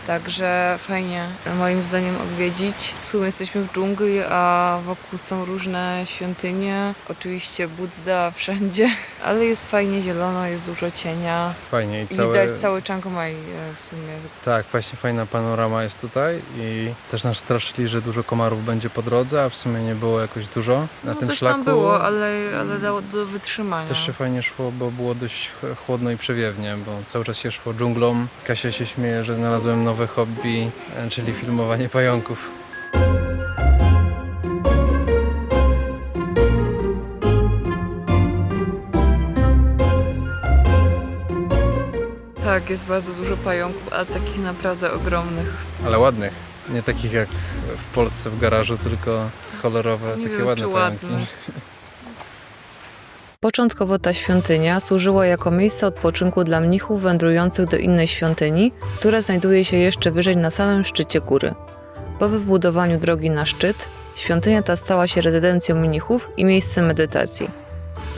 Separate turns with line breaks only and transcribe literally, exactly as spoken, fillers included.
Także fajnie moim zdaniem odwiedzić. W sumie jesteśmy w dżungli, a wokół są różne świątynie. Oczywiście Budda wszędzie, ale jest fajnie zielono, jest dużo cienia.
Fajnie i
I
całe...
widać cały Chiang Mai e, w sumie.
Tak, właśnie fajna panorama jest tutaj i też nas straszyli, że dużo komarów będzie po drodze, a w sumie nie było jakoś dużo na
No
tym
coś
szlaku.
tam było, ale, ale dało do wytrzymania.
Też się fajnie szło, bo było dość ch- chłodno i przewiewnie, bo cały czas się szło dżunglą. Kasia się śmieje, że znalazłem nowe hobby, e, czyli filmowanie pająków.
Tak, jest bardzo dużo pająków, ale takich naprawdę ogromnych.
Ale ładnych. Nie takich jak w Polsce w garażu, tylko kolorowe,
Nie
takie
wiem,
ładne
czy
pająki.
ładne.
Początkowo ta świątynia służyła jako miejsce odpoczynku dla mnichów wędrujących do innej świątyni, która znajduje się jeszcze wyżej na samym szczycie góry. Po wybudowaniu drogi na szczyt, świątynia ta stała się rezydencją mnichów i miejscem medytacji.